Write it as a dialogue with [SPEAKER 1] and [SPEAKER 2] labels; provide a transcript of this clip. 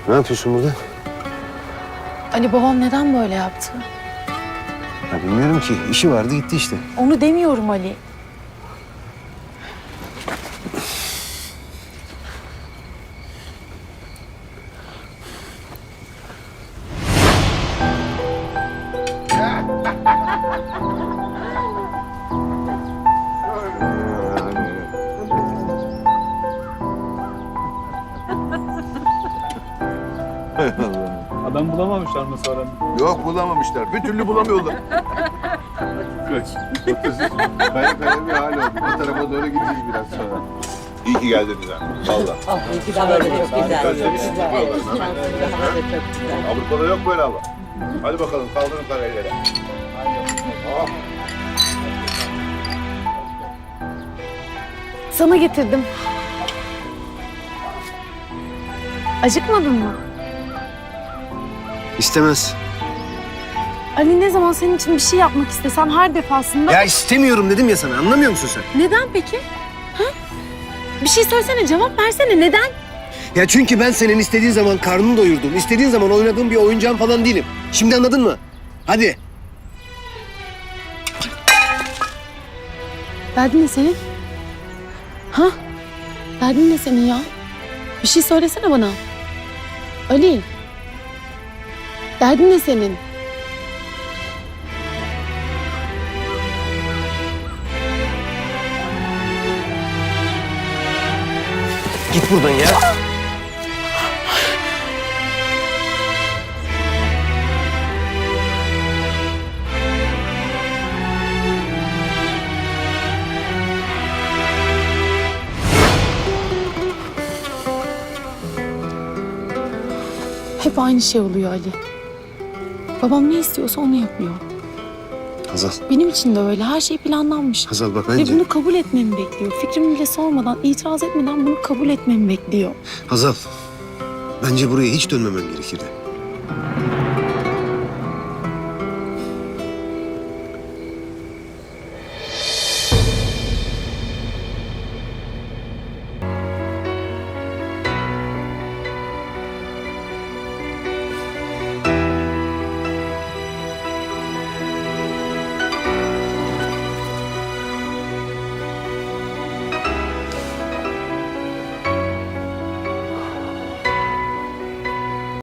[SPEAKER 1] Ne yapıyorsun burada?
[SPEAKER 2] Ali, babam neden böyle yaptı?
[SPEAKER 1] Ya bilmiyorum ki. İşi vardı gitti işte.
[SPEAKER 2] Onu demiyorum Ali.
[SPEAKER 3] Adam bulamamışlar mı sonra?
[SPEAKER 4] Yok bulamamışlar. Bir türlü bulamıyorlar. Kaya kaya bir hal oldu. Bu tarafa doğru gideceğiz biraz sonra. İyi ki geldiniz ha. Valla.
[SPEAKER 5] Hava da çok güzel.
[SPEAKER 4] Özlemişim valla. Avrupa'da yok böyle hava. Hadi bakalım kaldırın parayları. Oh.
[SPEAKER 2] Sana getirdim. Acıkmadın mı?
[SPEAKER 1] İstemez.
[SPEAKER 2] Ali, ne zaman senin için bir şey yapmak istesem her defasında...
[SPEAKER 1] Ya istemiyorum dedim ya sana. Anlamıyor musun sen?
[SPEAKER 2] Neden peki? Ha? Bir şey söylesene, cevap versene. Neden?
[SPEAKER 1] Ya çünkü ben senin istediğin zaman karnını doyurduğum, istediğin zaman oynadığım bir oyuncağın falan değilim. Şimdi anladın mı? Hadi.
[SPEAKER 2] Derdin ne senin? Ha? Derdin ne senin ya? Bir şey söylesene bana. Ali. Derdin ne senin?
[SPEAKER 1] Git buradan ya.
[SPEAKER 2] Hep aynı şey oluyor Ali. Babam ne istiyorsa onu yapıyor.
[SPEAKER 1] Hazal.
[SPEAKER 2] Benim için de öyle. Her şey planlanmış.
[SPEAKER 1] Hazal bak
[SPEAKER 2] Ve
[SPEAKER 1] bence.
[SPEAKER 2] bunu kabul etmemi bekliyor. Fikrimi bile sormadan, itiraz etmeden bunu kabul etmemi bekliyor.
[SPEAKER 1] Hazal. Bence buraya hiç dönmemen gerekirdi.